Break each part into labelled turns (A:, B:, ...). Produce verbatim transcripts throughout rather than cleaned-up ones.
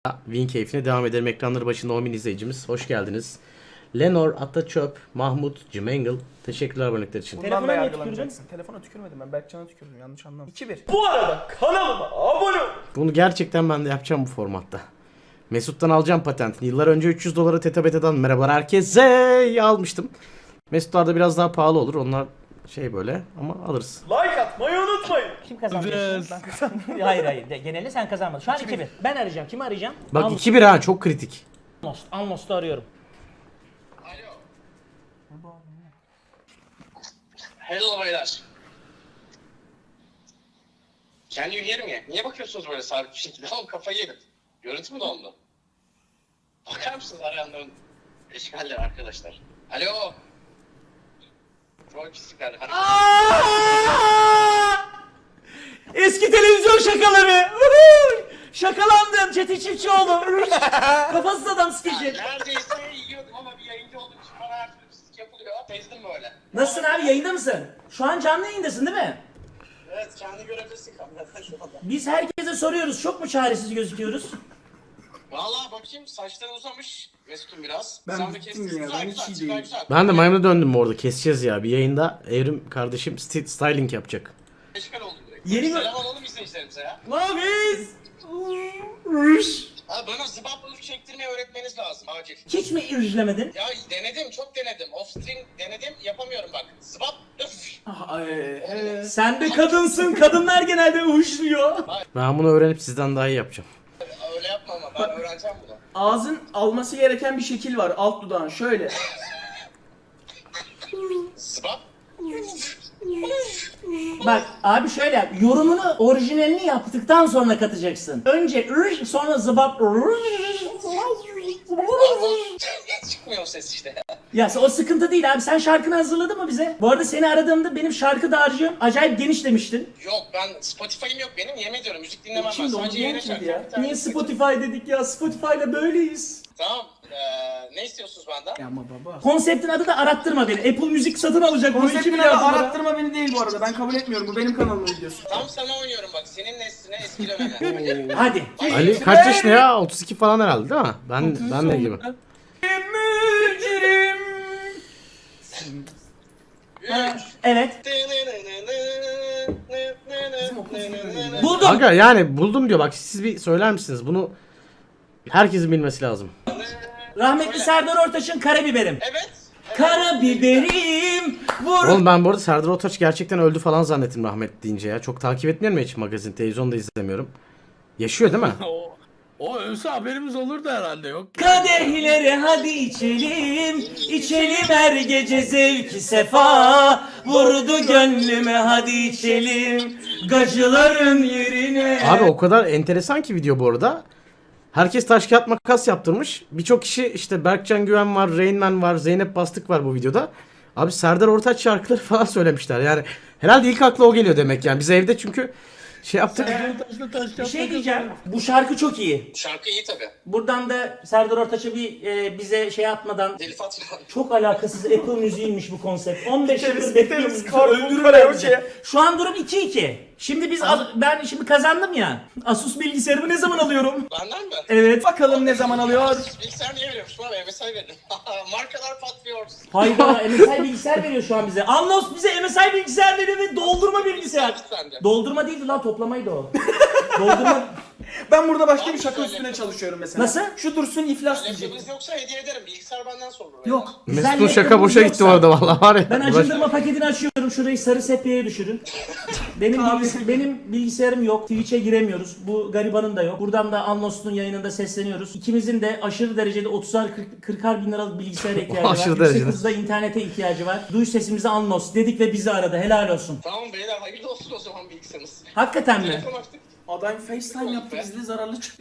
A: Win keyfine devam edelim. Ekranları başında on bin izleyicimiz. Hoş geldiniz. Lenor, Ataçöp, Mahmut, Cimengle. Teşekkürler abonelikler için.
B: Telefona
C: Bundan da
B: niye
C: yargılanacaksın. Telefona tükürmedim ben. Berkcan'a tükürdüm. Yanlış anlama. iki bir.
B: Bu arada kanalıma abone ol.
A: Bunu gerçekten ben de yapacağım bu formatta. Mesut'tan alacağım patentini. Yıllar önce üç yüz dolara Teta Beta'dan merhabalar herkese almıştım. Mesut'larda biraz daha pahalı olur. Onlar şey böyle ama alırız.
B: Like atmayı unutmayın.
D: Kim kazandı?
A: Biraz.
C: Ben kazandım.
D: Hayır hayır. De, genelde sen kazanmadın. Şu an iki bir. Ben arayacağım. Kimi arayacağım?
A: Bak iki bir ha, çok kritik.
D: Almost. Almost'u arıyorum.
E: Hello beyler. Can you hear me? Niye bakıyorsunuz böyle sabit bir şekilde? Oğlum kafayı yedim. Görüntü mü dondu? Bakar mısınız arayanların eşkalleri arkadaşlar? Alo. Troll pislikler. Hani...
D: Eski televizyon şakaları. Şakalandım Çetin Çiftçioğlu. Kafasız adam skeci.
E: Neredeyse yiyordum ama bir yayıncı olduğum için bana her türlü pislik yapılıyor. Tezdim böyle.
D: Nasılsın abi, yayında mısın? Şu an canlı yayındasın değil mi?
E: Evet, kendi görebilirsin kameradan şu anda.
D: Biz herkese soruyoruz. Çok mu çaresiz gözüküyoruz?
E: Valla bakayım saçların uzamış Mesut'un biraz.
C: Ben
E: Sen de
C: bittim
E: kestin.
C: ya,
E: Güzel,
C: ben
E: güzel,
C: hiç iyi
E: güzel,
C: değilim.
E: güzel.
A: Ben de maymun'a döndüm orada. Keseceğiz ya. Bir yayında Evrim kardeşim sti- styling yapacak.
E: Eşkal oldum direkt.
D: Yeni mi-
E: Selam alalım izleyicilerimize ya.
D: Nabiz.
E: Abi bana zıbap ırf çektirmeyi öğretmeniz lazım acil.
D: Hiç mi irjilemedin?
E: Ya denedim, çok denedim. Off string denedim, yapamıyorum bak. Zıbap ırf.
D: Sen de kadınsın. Kadınlar genelde uyuşluyor.
A: Ben bunu öğrenip sizden daha iyi yapacağım.
E: Öyle yapma ama ben öğreneceğim bunu.
C: Ağzın alması gereken bir şekil var. Alt dudağın şöyle.
E: Zıbap.
D: Bak abi şöyle yap. Yorumunu, orijinalini yaptıktan sonra katacaksın. Önce ır, sonra zıbap.
E: Çıkmıyor o ses işte.
D: Ya o sıkıntı değil abi. Sen şarkını hazırladın mı bize? Bu arada seni aradığımda benim şarkı dağarcığım acayip geniş demiştin.
E: Yok ben Spotify'ım yok benim, yemin ediyorum müzik dinlemem ben.
C: Şimdi onu
E: Sadece
C: diyen
E: yayın
C: kimdi
E: açarım.
C: ya?
E: Bir tane
D: Niye
E: müzik-
D: Spotify dedik ya? Spotify'la böyleyiz.
E: Tamam, ee, ne istiyorsunuz benden?
C: Ya ama baba.
D: Konseptin adı da arattırma beni. Apple Müzik satın alacak. bunu iki
C: Konseptin
D: milyar
C: adı
D: dolara.
C: arattırma beni değil bu arada. Ben kabul etmiyorum. Bu benim kanalımın videosu.
E: Tam sana oynuyorum bak, senin nesline eskilememe.
D: Hadi.
A: Ali kaç yaşında ya? otuz iki falan herhalde değil mi? Ben ben ne gibi?
E: Üç.
D: Evet. Buldum.
A: Kanka yani buldum diyor. Bak siz bir söyler misiniz? Bunu herkesin bilmesi lazım.
D: Rahmetli Serdar Ortaç'ın Karabiberim.
E: Evet.
D: Karabiberim vur.
A: Oğlum ben bu arada Serdar Ortaç gerçekten öldü falan zannettim rahmet deyince ya. Çok takip etmiyorum ya hiç magazin, televizyon da izlemiyorum. Yaşıyor değil mi?
F: O, o ölse haberimiz olurdu herhalde, yok.
D: Kadehleri hadi içelim, içelim her gece zevki sefa. Vurdu gönlüme hadi içelim, gacıların yerine.
A: Abi o kadar enteresan ki video bu arada. Herkes taş kağıt makas yaptırmış. Birçok kişi işte Berkcan Güven var, Rain Man var, Zeynep Bastık var bu videoda. Abi Serdar Ortaç şarkıları falan söylemişler. Yani herhalde ilk akla o geliyor demek yani. Biz evde çünkü şey yaptık.
F: Taşla taş
D: Bir
F: kağıt
D: şey
F: makas
D: diyeceğim,
F: oynuyor.
D: bu şarkı çok iyi.
E: Şarkı iyi tabi.
D: Buradan da Serdar Ortaç'a bir e, bize şey atmadan,
E: Deli Fatma.
D: çok alakasız Apple müziğiymiş bu konsept. on beş yıldır
C: Biteriz,
D: bekliyoruz.
C: biteriz,
D: bizi,
C: karpuz
D: öldürürler
C: karaoke.
D: bizi. Şu an durum iki iki. Şimdi biz az- ben şimdi kazandım ya. Asus bilgisayarımı ne zaman alıyorum?
E: Benden mi?
D: Evet.
C: Bakalım ne zaman alıyor?
E: Bilgisayar niye veriyormuş bana? M S I verin. Markalar patlıyor.
D: Hayda, M S I bilgisayar veriyor şu an bize. Anlos bize M S I bilgisayar veriyor ve doldurma bilgisayar.
E: Sende.
D: Doldurma değildi lan, toplamaydı o. Doldurma.
C: Ben burada başka bir
E: Abi
C: şaka
E: söyle.
C: üstüne çalışıyorum mesela.
D: Nasıl?
C: Şu dursun iflas diyecek.
E: Laptopunuz yoksa hediye ederim. Bilgisayar benden sorulur.
C: Yok.
D: Güzel
A: Mesut'un şaka
D: laptopumuz
A: boşa gitti
D: yoksa-
A: orada vallahi var ya.
D: Ben
A: Uğraş-
D: acındırma paketini açıyorum. Şurayı sarı sepyeye düşürün. Benim
C: Abi.
D: bilgis- benim bilgisayarım yok. Twitch'e giremiyoruz. Bu garibanın da yok. Buradan da Anlos'un yayınında sesleniyoruz. İkimizin de aşırı derecede otuzar kırkar bin liralık bilgisayara ihtiyacı var.
A: Aşırı
D: Yüksek
A: derecede.
D: hızda internete ihtiyacı var. Duy sesimizi Anlos dedik ve bizi aradı. Helal olsun.
E: Tamam beyler, hayırlı olsun o zaman bilgisayarınız.
D: Hakikaten mi?
E: Telefon açtık.
C: Adam FaceTime yaptı bizle zararlı çıktı.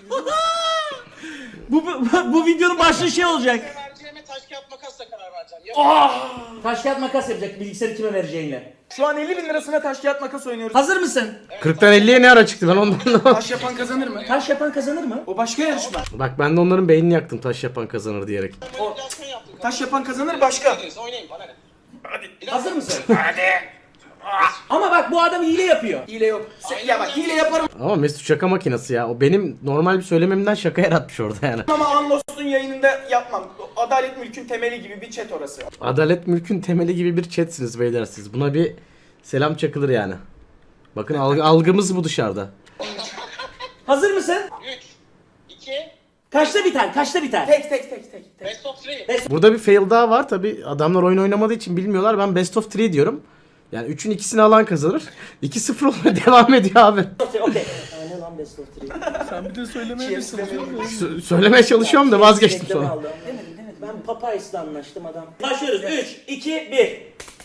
D: Bu, bu, bu videonun başlığı şey olacak.
E: Vereceğime taş kağıt makasla karar vereceğim. Ya.
D: Taş kağıt makas yapacak bilgisayarı kime vereceğinle.
C: Şu an elli bin lirasına taş kağıt makas oynuyoruz.
D: Hazır mısın?
A: kırktan elliye ne ara çıktı ben ondan da.
C: Taş yapan kazanır mı?
D: Taş yapan kazanır mı?
C: O başka yarışma.
A: Bak ben de onların beynini yaktım taş yapan kazanır diyerek.
E: Manipülasyon yaptım.
C: Taş yapan kazanır başka.
E: Oynayın bana ne? Hadi.
D: Hazır mısın? Ama bak bu adam hile yapıyor.
C: Hile yok. Se- ya bak hile yaparım
A: Ama Mesut şaka makinesi ya. O benim normal bir söylememden şaka yaratmış orada yani.
C: ama Unlost'un yayınında yapmam. Adalet mülkün temeli gibi bir chat orası.
A: Adalet mülkün temeli gibi bir chatsiniz beyler siz. Buna bir selam çakılır yani. Bakın algı, algımız bu dışarıda.
D: Hazır mısın?
E: üç, iki,
D: Kaçta biter? Kaçta biter?
C: Tek tek tek tek. tek.
E: best of three.
A: Burada bir fail daha var tabi. Adamlar oyun oynamadığı için bilmiyorlar. Ben best of üç diyorum. Yani üçün ikisini alan kazanır. iki sıfır olmaya devam ediyor abi.
D: Okey. Okey. Ne lan best of üç?
F: Sen bir de söylemeye mi çalışıyorsun?
A: Sö- söylemeye çalışıyorum da vazgeçtim
D: Reklam
A: sonra.
D: aldım. Demedim demedim. Ben Papayis'le anlaştım adam. Başlıyoruz. üç, iki, bir.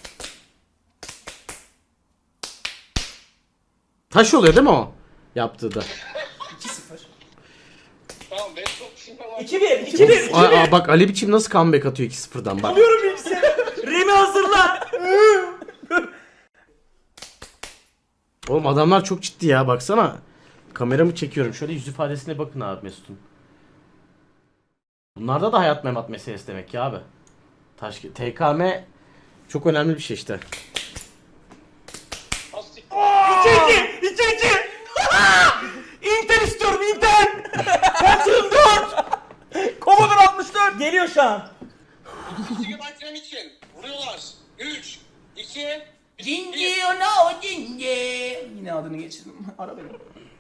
A: Taş oluyor değil mi o? Yaptığı da.
C: iki sıfır.
E: Tamam best of three var.
D: iki bir. iki bir.
A: Aa, aa, bak Ali biçim nasıl comeback atıyor iki sıfırdan bak.
D: Alıyorum bilgisayarı. Remi hazırla.
A: Oğlum adamlar çok ciddi ya baksana. Kameramı çekiyorum. Şöyle yüz ifadesine bakın abi Mesut'un. Bunlarda da hayat memat meselesi demek ya abi. Taş T K M çok önemli bir şey işte.
E: Hastik.
D: iki iki. iki iki. Inter istiyorum Inter. Pentium dört. Commodore altmış dört. Geliyor şu an.
E: Gigabyte RAM için vuruyorlar. üç, iki,
C: Cinci ono cinci. Yine adını geçirdim. Ara beni.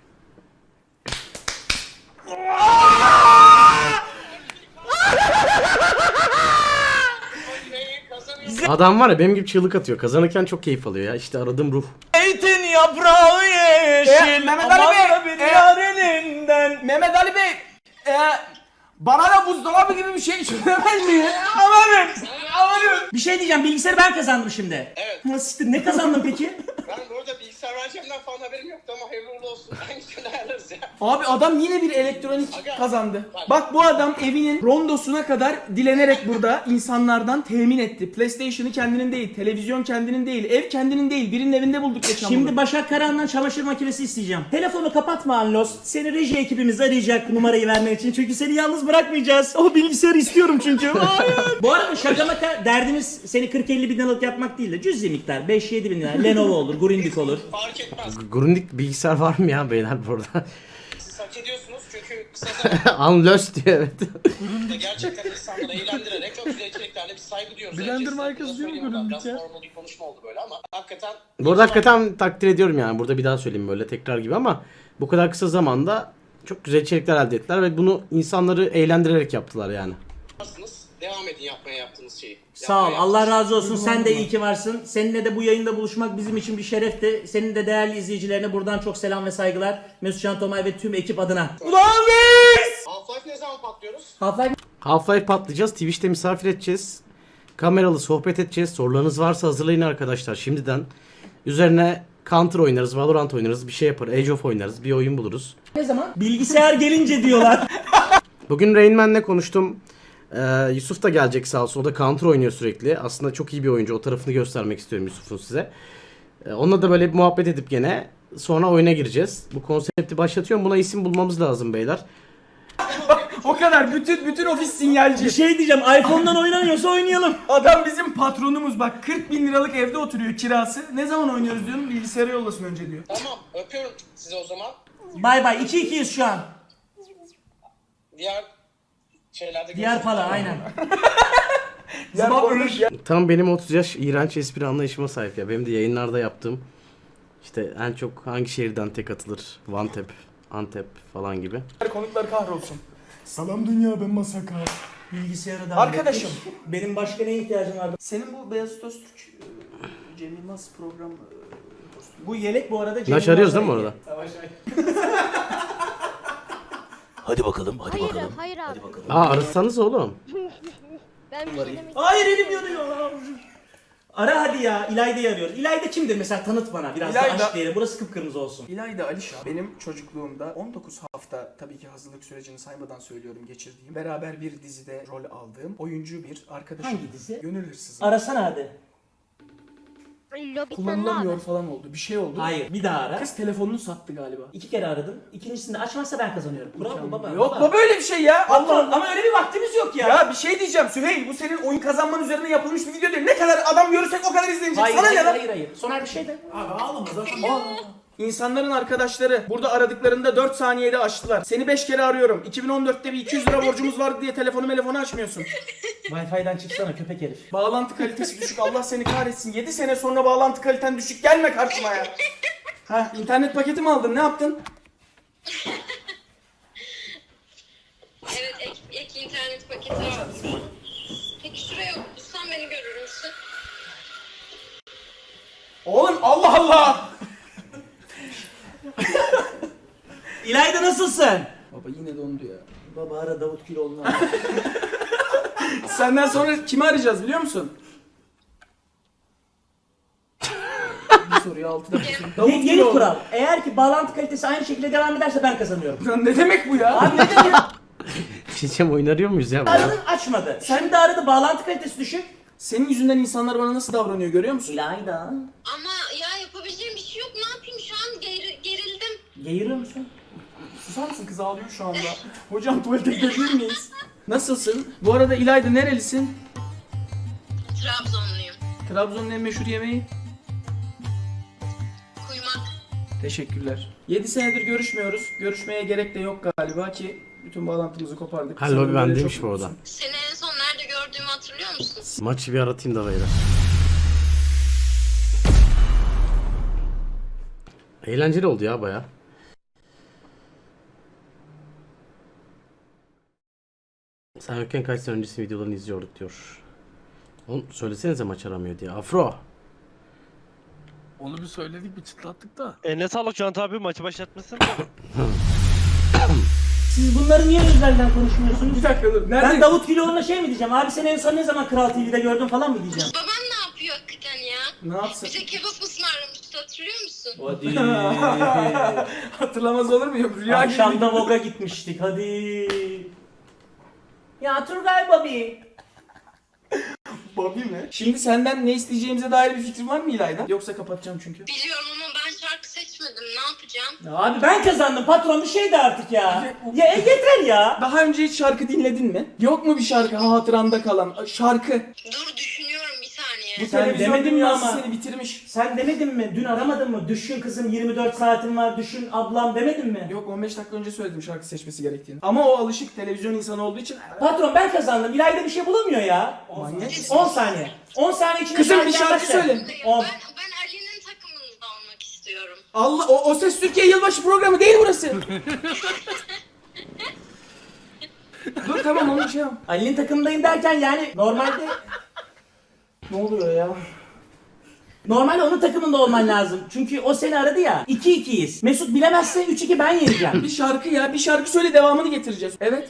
E: kazanıyor.
A: Adam var ya benim gibi çığlık atıyor. Kazanırken çok keyif alıyor ya. İşte aradığım ruh.
D: Zeytin yaprağı yeşil.
C: E, Mehmet Ali
D: aman
C: Bey,
D: da bir
C: e,
D: yar elinden.
C: Mehmet Ali Bey. E, bana da buzdolabı gibi bir şey söylemez mi? Amanın. Amanın.
D: Bir şey diyeceğim, bilgisayarı ben kazandım şimdi.
E: Evet.
D: Nasıl, ne kazandın peki?
E: Ben bu arada bilgisayar vereceğimden falan haberim yoktu ama hayırlı uğurlu olsun. Hangisini ayarlarız ya?
C: Abi adam yine bir elektronik
E: Aga.
C: kazandı.
E: Bak.
C: Bak bu adam evinin rondosuna kadar dilenerek burada insanlardan temin etti. PlayStation'ı kendinin değil, televizyon kendinin değil, ev kendinin değil. Birinin evinde bulduk geçen
D: Şimdi
C: bunu.
D: Başak Karahan'dan çamaşır makinesi isteyeceğim. Telefonu kapatma Anlos. Seni reji ekibimiz arayacak numarayı vermek için. Çünkü seni yalnız bırakmayacağız. O bilgisayarı istiyorum çünkü. Hayır. Bu arada şaka maka derdimiz seni kırk elli bin liralık yapmak değil de cüzi miktar. beş yedi bin lira. Lenovo olur, Grundig olur.
E: Fark etmez.
A: Grundig bilgisayar var mı ya beyler burada?
E: Siz hak ediyorsunuz çünkü kısa zamanda
A: Unlost diyor evet.
E: gerçekten insanları eğlendirerek çok güzel içeriklerle bir saygı duyuyoruz.
F: Blender
E: Herkes-
F: markası
E: Biraz
F: değil mi
E: söyleyeyim,
F: Grundig
E: Biraz
F: ya?
E: formal bir konuşma oldu böyle ama hakikaten...
A: Bu arada hakikaten takdir ediyorum yani. Burada bir daha söyleyeyim böyle tekrar gibi ama bu kadar kısa zamanda çok güzel içerikler elde ettiler ve bunu insanları eğlendirerek yaptılar yani.
E: Yaparsınız. Devam edin yapmaya yaptığınız şeyi.
D: Sağ ol.
E: Yapmaya
D: Allah razı olsun. Sen de iyi ki varsın. Seninle de bu yayında buluşmak bizim için bir şerefti. Senin de değerli izleyicilerine buradan çok selam ve saygılar. Mesut Can Tomay ve tüm ekip adına. Ulan biz!
E: Half-Life ne zaman patlıyoruz?
D: Half-Life
A: Half-Life patlayacağız. Twitch'te misafir edeceğiz. Kameralı sohbet edeceğiz. Sorularınız varsa hazırlayın arkadaşlar şimdiden. Üzerine Counter oynarız, Valorant oynarız, bir şey yapar, Age of oynarız, bir oyun buluruz.
D: ne zaman? Bilgisayar gelince diyorlar.
A: Bugün Rain Man'le konuştum. Ee, Yusuf da gelecek sağ olsun. O da Counter oynuyor sürekli. Aslında çok iyi bir oyuncu. O tarafını göstermek istiyorum Yusuf'un size. Ee, onunla da böyle bir muhabbet edip gene sonra oyuna gireceğiz. Bu konsepti başlatıyorum. Buna isim bulmamız lazım beyler.
C: O kadar bütün bütün ofis sinyalci.
D: Bir şey diyeceğim. iPhone'dan oynanıyorsa oynayalım.
C: Adam bizim patronumuz bak kırk bin liralık evde oturuyor kirası. Ne zaman oynuyoruz diyorum bilgisayara yollasın önce diyor.
E: Tamam öpüyorum sizi o zaman.
D: Bay bay. iki ikiyiz şu an.
E: Diğer şeylerde
D: Diğer
E: görüşürüz.
D: pala aynen.
C: Zaman ölür.
A: Tam benim otuz yaş iğrenç espri anlayışıma sahip ya. Benim de yayınlarda yaptığım işte en çok hangi şehirden tek atılır? Vantep, Antep falan gibi.
C: Konuklar kahrolsun. Salam dünya ben Masaka.
D: Bilgisayarı da
C: Arkadaşım.
D: hallettik. Benim başka neye ihtiyacım vardı?
C: Senin bu Beyazıt Öztürk e, Cem Yılmaz program e,
D: Bu yelek bu arada Cem
A: Naş arıyoruz değil mi
D: Yılmaz'la
A: orada?
D: ilgili.
G: Hadi bakalım, hadi
H: Hayır,
G: bakalım.
H: hayır abi.
A: Aa arasanız oğlum.
H: Ben bir şey demek
D: Hayır elim yanıyor. Ara hadi ya. İlayda'yı arıyoruz. İlayda kimdir mesela? Tanıt bana biraz
C: İlayda-
D: da aşk diyelim. Burası kıpkırmızı olsun.
C: İlayda Alişan benim çocukluğumda on dokuz hafta tabii ki hazırlık sürecini saymadan söylüyorum geçirdiğim beraber bir dizide rol aldığım oyuncu bir arkadaşım.
D: Hangi dizi?
C: Gönül Hırsızı.
D: Arasana hadi.
H: Lobitten
C: kullanılamıyor
H: abi.
C: falan oldu. Bir şey oldu.
D: Hayır, bir daha ara.
C: Kız telefonunu sattı galiba.
D: İki kere aradım. İkincisinde açmazsa ben kazanıyorum. Bravo baba.
C: Yok baba öyle bir şey ya.
D: Patron,
C: Allah.
D: ama öyle bir vaktimiz yok ya.
C: Ya bir şey diyeceğim Süheyl, bu senin oyun kazanman üzerine yapılmış bir video değil. Ne kadar adam görürsek o kadar izlenecek.
D: Hayır,
C: Sana
D: hayır,
C: ne lan?
D: hayır, hayır. Soner bir şey de. Abi ağlama zaten.
C: Aa, İnsanların arkadaşları burada aradıklarında dört saniyede açtılar. Seni beş kere arıyorum. iki bin on dörtte bir iki yüz lira borcumuz vardı diye telefonu telefonu açmıyorsun.
D: Wi-Fi'den çıksana köpek herif.
C: Bağlantı kalitesi düşük. Allah seni kahretsin. yedi sene sonra bağlantı kaliten düşük. Gelme karşıma ya. Ha, internet paketi mi aldın? Ne yaptın?
G: Evet, ek, ek internet paketi aldım. Peki şuraya otursan beni görür müsün?
C: Oğlum Allah Allah.
D: İlayda nasılsın?
C: Baba yine dondu ya.
D: Baba ara Davut Güloğlu'nu.
C: Senden sonra kimi arayacağız biliyor musun? Bir soruyu altıda bitirdim. Davut
D: Yeni
C: Güloğlu.
D: kural. Eğer ki bağlantı kalitesi aynı şekilde devam ederse ben kazanıyorum.
C: Lan ne demek bu ya?
D: Abi ne demek?
A: Bir şey diyeceğim, oyun arıyor muyuz ya?
D: Aradın açmadı. Şimdi aradı bağlantı kalitesi düşük.
C: Senin yüzünden insanlar bana nasıl davranıyor görüyor musun?
D: İlayda.
G: Ama ya yapabileceğim bir şey yok. Ne yapayım şu an geri, gerildim.
D: Geğiriyor musun?
C: Susar mısın, kız ağlıyor şu anda. Hocam tuvalete gidebilir miyiz? Nasılsın? Bu arada İlayda nerelisin?
G: Trabzonluyum.
C: Trabzon'un en meşhur yemeği?
G: Kuymak.
C: Teşekkürler. yedi senedir görüşmüyoruz. Görüşmeye gerek de yok galiba ki bütün bağlantımızı kopardık.
A: Ha,
C: Sanırım
A: lobi
C: böyle
A: bendeymiş
C: çok
A: bu arada.
C: mutlusun.
G: Seni en son nerede gördüğümü hatırlıyor musun?
A: Maçı bir aratayım da böyle. Eğlenceli oldu ya baya. Sen yokken kaç sene öncesi videolarını izliyorduk diyor. Oğlum söylesenize maç aramıyor diye. Afro.
F: Onu bir söyledik, bir çıtlattık da.
B: Eline sağlık Can abi, maçı başlatmasın.
D: Siz bunları niye özelden konuşmuyorsunuz?
C: Bir dakika dur. Nerede?
D: Ben Davut Güloğlu'na şey mi diyeceğim? Abi seni en son ne zaman Kral T V'de gördüm falan mı diyeceğim?
G: Baban ne yapıyor hakikaten ya?
C: Ne yapsın?
G: Bize kebap ısmarlamıştı hatırlıyor musun?
D: Hadi.
C: Hatırlamaz olur muyum? Rüya gibi.
D: Akşamda Vogue'a gitmiştik hadi. Ya Turgay Bobby.
C: Bobby mi? Şimdi senden ne isteyeceğimize dair bir fikrin var mı İlayda? Yoksa kapatacağım çünkü.
G: Biliyorum ama ben şarkı seçmedim. Ne yapacağım?
D: Ya abi ben kazandım patron bir şey de artık ya. Ya e, yeter ya.
C: Daha önce hiç şarkı dinledin mi? Yok mu bir şarkı hatıranda kalan? Şarkı.
G: Dur düşünüyorum bir saniye.
C: Bu
D: Sen
C: televizyon
D: demedin mi
C: dünyası
D: ama?
C: seni bitirmiş.
D: Sen demedin mi? Dün aramadın mı? Düşün kızım yirmi dört saatin var. Düşün ablam demedin mi?
C: Yok on beş dakika önce söyledim şarkı seçmesi gerektiğini. Ama o alışık televizyon insanı olduğu için.
D: Patron ben kazandım. İlayda bir şey bulamıyor ya.
C: Manyak.
D: on saniye. on saniye içinde
C: Kızım, bir
D: şarkı
C: şarkı
D: gelmezse-
C: söyle.
G: Ben,
D: on.
G: ben Ali'nin takımında olmak istiyorum.
C: Allah o, o Ses Türkiye yılbaşı programı değil burası. Dur tamam onu şey yap.
D: Ali'nin takımındayım derken yani normalde... Ne oluyor ya? Normalde onun takımında olman lazım. Çünkü o seni aradı ya. iki ikiyiz. Mesut bilemezse üç iki ben yeneceğim.
C: Bir şarkı ya bir şarkı söyle devamını getireceğiz. Evet.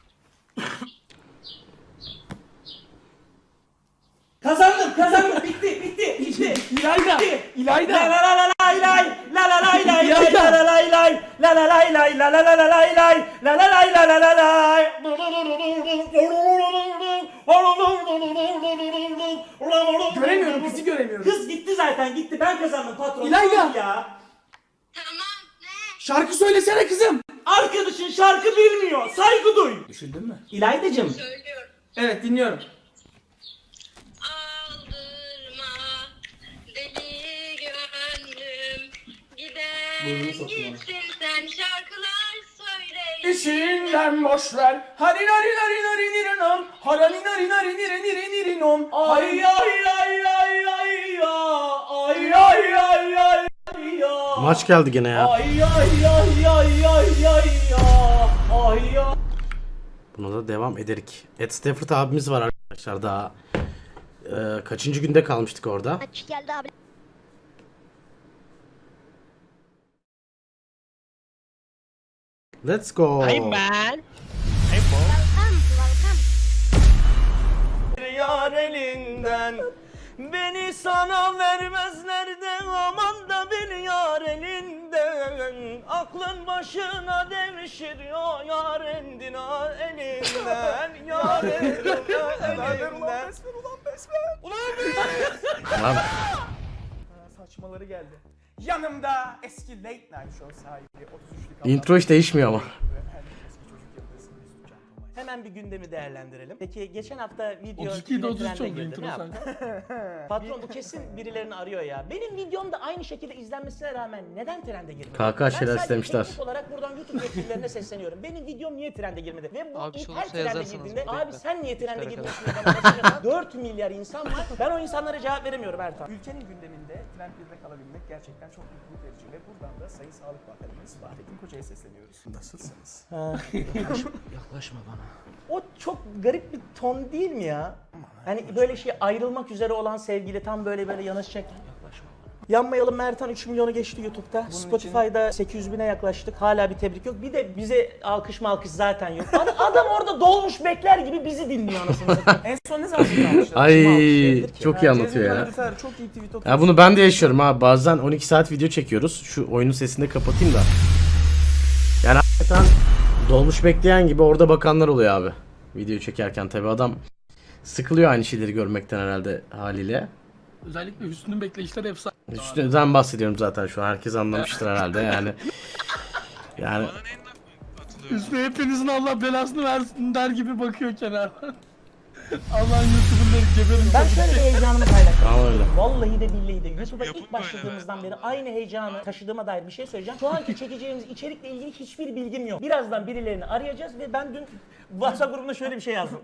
D: Kazandım, kazandım. Bitti, bitti, bitti.
C: İlayda.
D: Bitti.
C: İlayda.
D: La la la la lay lay, la la lay lay lay,
C: İlayda.
D: la la lay lay, la la lay lay, la la la la lay lay, la la lay la la la lay.
C: Göremiyorum bizi göremiyorum.
D: Kız gitti zaten gitti. Ben kazandım patron.
C: İlayda.
D: Tamam ya.
G: Tamam ne?
C: Şarkı söylesene kızım.
D: Arkadaşın şarkı bilmiyor. Saygı duy.
C: Düşündün mü?
D: İlaydacığım.
G: Söylüyorum.
C: Evet dinliyorum.
G: Aldırma deli gönlüm giden gitsin sen şarkılar söyle.
C: İçinden boş ver. Hari nari nari nari nirinom. Harani nari nari niri niri nirinom.
D: Ay ay ay ay ay ya. Ay ay ay ay ay ya.
A: Maç geldi gene ya.
D: Ay ay ay ay ay ay ya. Ay ya.
A: Buna da devam ederik. Ed Stafford abimiz var arkadaşlar daha. Ee, kaçıncı günde kalmıştık orada?
H: Maç geldi abi.
A: Let's go.
B: man.
H: Welcome, welcome.
B: Yar elinden beni sana vermezler de aman da bir yar elinden aklın başına devşir ya yar endina elinden yar endina elinden.
A: Lan.
C: canavarı geldi. Yanımda eski Late Night Show sahibi otuz üçlük
A: Intro hiç değişmiyor ama.
D: Hemen bir gündemi değerlendirelim. Peki geçen hafta video
F: otuz iki ile
D: yine
F: otuz üç
D: trende
F: oldu
D: girdi.
F: intro
D: Ne yaptın? Patron bu kesin birilerini arıyor ya. Benim videom da aynı şekilde izlenmesine rağmen neden trende girmedi?
A: K K şeyler
D: Ben sadece
A: istemişler.
D: teknik olarak buradan YouTube yetkililerine sesleniyorum. Benim videom niye trende girmedi? Ve bu
I: Abi
D: ilk
I: sonuçta
D: her trende
I: yazarsanız
D: girdiğinde
I: bekle.
D: abi sen niye trende
I: İşlere
D: girmiyorsun? Bana mesaj atan dört milyar insan var. Ben o insanlara cevap veremiyorum Ertan.
C: Ülkenin gündeminde Trend birde kalabilmek gerçekten çok mutluluk verici ve buradan da Sayın Sağlık Bakanımız Fahrettin Koca'ya sesleniyoruz. Nasılsınız?
D: Yaklaşma bana. O çok garip bir ton değil mi ya? Hani böyle şey ayrılmak üzere olan sevgili tam böyle böyle yanaşacak. Yaklaşma bana. Yanmayalım Mertan üç milyonu geçti YouTube'da. Spotify'da sekiz yüz bine yaklaştık. Hala bir tebrik yok. Bir de bize alkış malkış zaten yok. Ad- Adam orada dolmuş bekler gibi bizi dinliyor anasını satayım.
C: En son ne zaman almışlar?
A: Ay çok iyi anlatıyor ya.
C: Çok iyi tweet atıyor.
A: Ya bunu ben de yaşıyorum ha. Bazen on iki saat video çekiyoruz. Şu oyunun sesini de kapatayım da. Yani hakikaten dolmuş bekleyen gibi orada bakanlar oluyor abi. Video çekerken tabi adam sıkılıyor aynı şeyleri görmekten herhalde haliyle.
F: Özellikle Hüsnü'nün bekleyişleri efsane.
A: Üstünden bahsediyorum zaten şu an. Herkes anlamıştır herhalde yani. Yani
F: Hüsnü hepinizin Allah belasını versin der gibi bakıyor kenardan. Allah'ın YouTuber'ları geberin.
D: Ben şöyle bir heyecanımı paylaştım.
A: Tamam öyle.
D: Vallahi de billahi de YouTube'a ilk başladığımızdan beri aynı heyecanı taşıdığıma dair bir şey söyleyeceğim. Şu anki çekeceğimiz içerikle ilgili hiçbir bilgim yok. Birazdan birilerini arayacağız ve ben dün WhatsApp grubunda şöyle bir şey yazdım.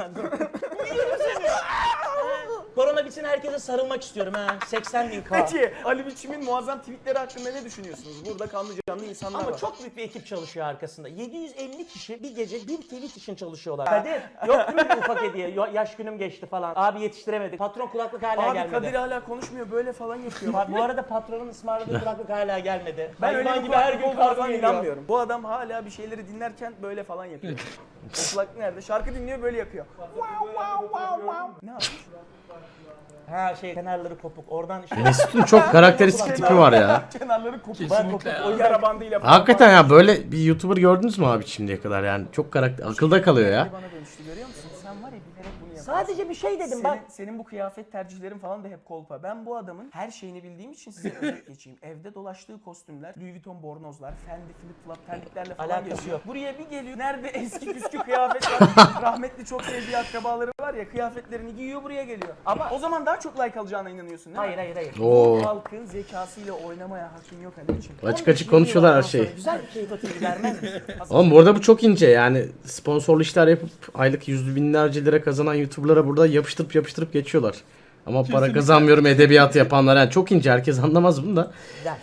D: Korona bitsin herkese sarılmak istiyorum ha. seksen bin K.
C: Peki Ali Biçim'in muazzam tweetleri hakkında ne düşünüyorsunuz? Burada kanlı canlı insanlar
D: Ama
C: var.
D: çok büyük bir ekip çalışıyor arkasında. yedi yüz elli kişi bir gece bir tweet için çalışıyorlar. Kadir yok değil mi bir ufak hediye? Yo- yaş günüm geçti falan. Abi yetiştiremedik. Patron kulaklık hala
C: Abi
D: gelmedi.
C: Kadir hala konuşmuyor böyle falan yapıyor.
D: Bak, bu arada patronun ısmarladığı kulaklık hala gelmedi.
C: Ben öyle
D: Hayvan
C: bir
D: gibi her gün kargo
C: falan
D: geliyor.
C: inanmıyorum. Bu adam hala bir şeyleri dinlerken böyle falan yapıyor. O kulaklık nerede? Şarkı dinliyor böyle yapıyor. Ne yapmış?
D: Ha şey kenarları kopuk. Oradan işte
A: Mesut'un çok karakteristik tipi var ya.
C: Kenarları kopuk.
F: Kesinlikle ya.
C: O yara bandıyla falan.
A: Hakikaten ya böyle bir YouTuber gördünüz mü abi şimdiye kadar yani çok karakter akılda kalıyor ya.
C: Bana dönüştü görüyor musun? Sen var ya bilerek bunu yapıyorsun.
D: sadece bir şey dedim bak.
C: Senin, senin bu kıyafet tercihlerin falan da hep kolpa. Ben bu adamın her şeyini bildiğim için size özet geçeyim. Evde dolaştığı kostümler, Louis Vuitton bornozlar, Fendi flip flop terliklerle falan
D: Alakası
C: geziyor.
D: yok.
C: Buraya bir geliyor. Nerede eski püskü kıyafet var. Rahmetli çok sevdiği akrabaları var ya kıyafetlerini giyiyor buraya geliyor. Ama o zaman daha çok like alacağına inanıyorsun değil mi?
D: Hayır hayır hayır.
A: Oo.
C: Bu halkın zekasıyla oynamaya hakkın yok Ali için.
A: Açık açık konuşuyorlar her şeyi.
D: Güzel bir keyif atıyor vermez misin?
A: Oğlum bu arada bu çok ince yani sponsorlu işler yapıp aylık yüz binlerce lira kazanan YouTuber'lara burada yapıştırıp yapıştırıp geçiyorlar. Ama para kazanmıyorum edebiyat yapanlar yani çok ince herkes anlamaz bunu da.
D: Güzel.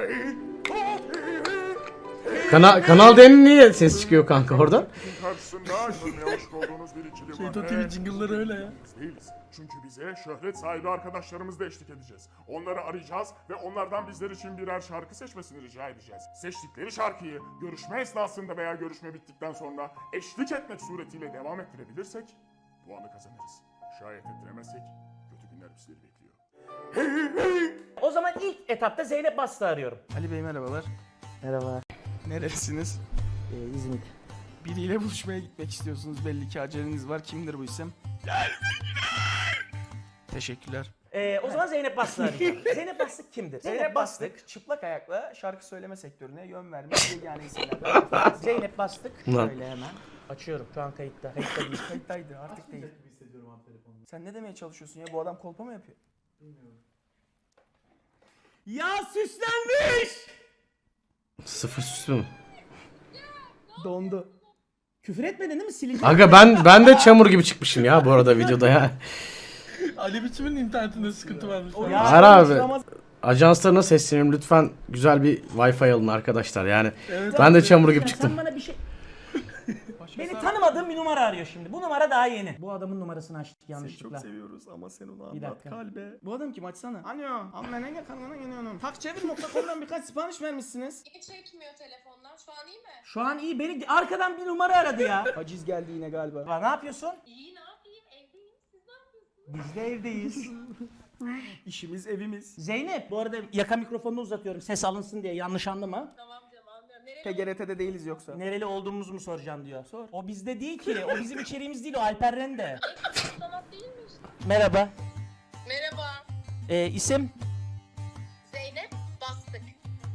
A: Kana kanal D'nin niye ses çıkıyor kanka oradan?
J: Karşısında görmeye hoş olduğunuz bir ikili
F: Şeyto
J: var.
F: T V jingle'ları öyle ya.
J: Biz değiliz. Çünkü bize şöhret sahibi arkadaşlarımızla eşlik edeceğiz. Onları arayacağız ve onlardan bizler için birer şarkı seçmesini rica edeceğiz. Seçtikleri şarkıyı görüşme esnasında veya görüşme bittikten sonra eşlik etmek suretiyle devam ettirebilirsek puanı kazanırız. Şayet ettiremezsek kötü günler bizleri bekliyor.
D: O zaman ilk etapta Zeynep Bastı arıyorum.
C: Ali Bey merhabalar.
D: Merhaba.
C: Neresiniz?
D: Ee, İzmit.
C: Biriyle buluşmaya gitmek istiyorsunuz. Belli ki aceleniz var. Kimdir bu isim? Teşekkürler.
D: Ee, o zaman Zeynep Bastı arayacağım. Zeynep Bastık kimdir?
C: Zeynep Bastık çıplak ayakla şarkı söyleme sektörüne yön vermiş yegane isimlerden.
D: Zeynep Bastık.
A: Ulan.
D: Şöyle hemen. Açıyorum şu an kayıtta. Kayıtta değil.
C: Kayıttaydı artık değil. Sen ne demeye çalışıyorsun ya? Bu adam kolpa mı yapıyor?
D: Ya süslenmiş!
A: Sıfır süslü mü?
C: Dondu.
D: Küfür etmedin değil mi? Sileceğim.
A: Aga ben ben de çamur gibi çıkmışım ya bu arada videoda ya.
F: Ali Biçim'in internetinde sıkıntı varmış.
D: Ya,
A: Hayır abi. Ajanslarına sesleniyorum lütfen güzel bir Wi-Fi alın arkadaşlar yani.
F: Evet,
A: Ben de
F: abi.
A: çamur gibi
D: Sen
A: çıktım.
D: bana bir şey... Beni tanımadığım bir numara arıyor şimdi. Bu numara daha yeni. Bu adamın numarasını açtık
C: Seni
D: yanlışlıkla.
C: çok seviyoruz ama sen onu
D: Bir
C: anlat
D: dakika.
C: kalbe. Bu adam kim açsana. Alo. Ammenene kanına geliyorum. Takçevir nokta com'dan birkaç sipariş vermişsiniz.
G: Niye çekmiyor telefondan? Şu an iyi mi?
D: Şu an iyi. Beni arkadan bir numara aradı ya.
C: Haciz geldi yine galiba.
D: Ya ne yapıyorsun?
G: İyi ne yapayım? Evdeyim. Siz ne yapıyorsunuz?
D: Biz de evdeyiz.
C: İşimiz evimiz.
D: Zeynep, bu arada yaka mikrofonunu uzatıyorum ses alınsın diye, yanlış anlama.
G: Tamam canım anlıyorum. Nereye?
C: P G R T'de değiliz yoksa.
D: Nereli olduğumuzu mu soracağım diyor. Sor. O bizde değil ki. O bizim içeriğimiz değil. O Alper Rende.
G: Sanat değil mi işte?
D: Merhaba.
G: Merhaba.
D: Ee, isim?
G: Zeynep.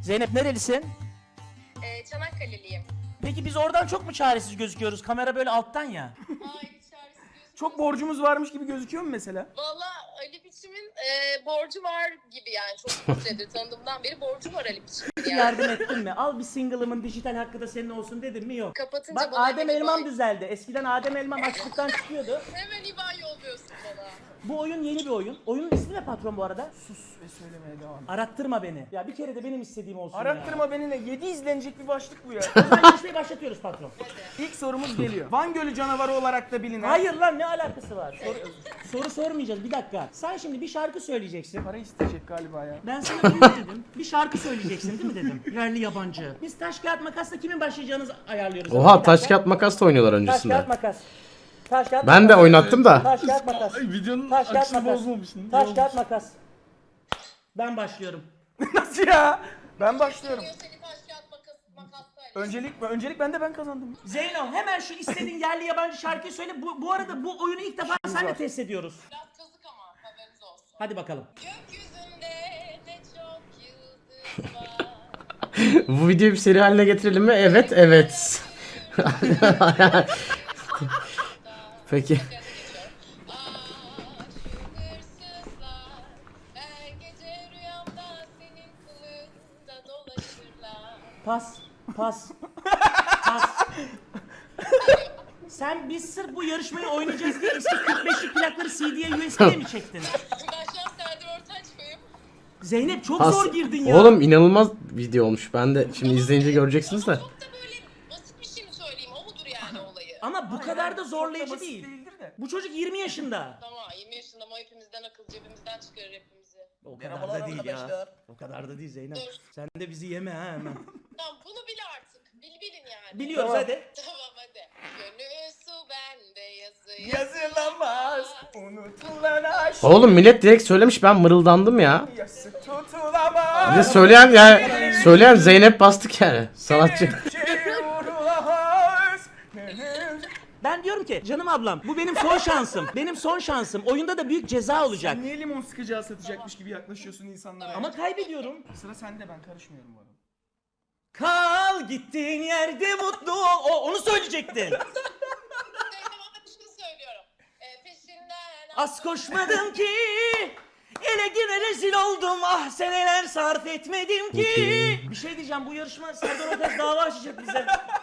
D: Zeynep nerelisin?
G: Ee, Çanakkale'liyim.
D: Peki biz oradan çok mu çaresiz gözüküyoruz? Kamera böyle alttan ya.
G: Ay çaresiz gözüküyor.
C: Çok borcumuz varmış gibi gözüküyor mu mesela?
G: Valla Ali Biçim'in e, borcu var gibi yani. Çok süredir tanıdığımdan beri borcu var Ali Biçim'in yani.
D: Yardım ettin mi? Al bir single'ımın dijital hakkı da senin olsun dedim mi? Yok.
G: Kapatınca
D: Bak
G: bana
D: Adem
G: hemen
D: Elmam
G: İBAN-
D: düzeldi. Eskiden Adem Elmam açlıktan çıkıyordu.
G: Hemen İBAN yolluyorsun bana.
D: Bu oyun yeni bir oyun. Oyunun ismi ne patron bu arada?
C: Sus ve söylemeye devam et.
D: Arattırma beni. Ya bir kere de benim istediğim olsun ya.
C: Arattırma beni ne? yedi izlenecek bir başlık bu ya.
D: O zaman yarışmayı başlatıyoruz patron.
C: İlk sorumuz geliyor. Van Gölü canavarı olarak da bilinen.
D: Hayır lan ne alakası var? Soru, soru sormayacağız bir dakika. Sen şimdi bir şarkı söyleyeceksin.
C: Para isteyecek galiba ya.
D: Ben sana ne dedim? Bir şarkı söyleyeceksin değil mi dedim? Yerli yabancı. Biz taş kağıt makasla kimin başlayacağını ayarlıyoruz.
A: Oha
D: Bir
A: taş
D: dakika.
A: kağıt makas da oynuyorlar
D: Taş
A: öncesinde.
D: kağıt makas. Taş kağıt
A: Ben de
D: makas.
A: oynattım da.
D: Taş kağıt makas.
F: Ay, videonun
D: Taş kağıt
F: akışını
D: makas.
F: bozmamışsın.
D: Taş kağıt makas. Ben başlıyorum.
C: Nasıl ya? Ben başlıyorum.
G: Diyor seni taş kağıt makas, makasla.
C: Öncelik mi? Öncelik ben de ben kazandım.
D: Zeyno hemen şu istediğin yerli yabancı şarkıyı söyle. Bu, bu arada bu oyunu ilk defa seninle test ediyoruz.
G: Biraz kazık ama haberiniz olsun.
D: Hadi bakalım.
G: Gökyüzünde ne çok yıldız var.
A: Bu videoyu bir seri haline getirelim mi? Evet, evet. Peki.
G: Ah şu hırsızlar her gece rüyamda senin kılığında dolaşırlar.
D: Pas. Pas. Pas. Sen biz sırf bu yarışmayı oynayacağız diye eski kırk beşlik plakları C D'ye U S B'ye mi çektin?
G: Ben şu an Serdar Ortaç mıyım?
D: Zeynep çok
A: Pas.
D: zor girdin ya.
A: Oğlum inanılmaz video olmuş. Ben de şimdi izleyince göreceksiniz de.
G: Çok da böyle basit bir şey mi söyleyeyim? O mudur yani olayı?
D: Ama bu kadar da zorlayıcı
C: basit
D: değil.
C: değildir de.
D: Bu çocuk yirmi yaşında.
G: Tamam yirmi yaşında ama hepimizden akıl cebimizden çıkarır hepimizi.
D: O kadar da değil ya. O kadar da değil Zeynep.
G: Dur.
D: Sen de bizi yeme ha hemen.
G: Tamam bunu bil artık. Bil bilin yani.
D: Biliyoruz hadi.
G: Tamam hadi. Gönül su bende yazı
C: Yazılamaz. Unutulan aşk.
A: Oğlum millet direkt söylemiş, ben mırıldandım ya.
C: Yası tutulamaz.
A: Bir de söyleyen yani söyleyen Zeynep Bastık yani. Sanatçı.
C: Çevrulamaz.
D: Ben diyorum ki canım ablam bu benim son şansım. Benim son şansım. Oyunda da büyük ceza olacak.
C: Niye limon sıkacağı satacakmış gibi yaklaşıyorsun insanlara?
D: Ama kaybediyorum.
C: Sıra sende, ben karışmıyorum bu arada.
D: Kal gittiğin yerde mutlu ol. O, onu söyleyecektin.
G: Tamam hadi şunu söylüyorum. Ee, peşinden
D: Az koşmadım ki. Ele güne rezil oldum. Ah seneler sarf etmedim ki. Bir şey diyeceğim, bu yarışma Serdar Ortaç dava açacak bize.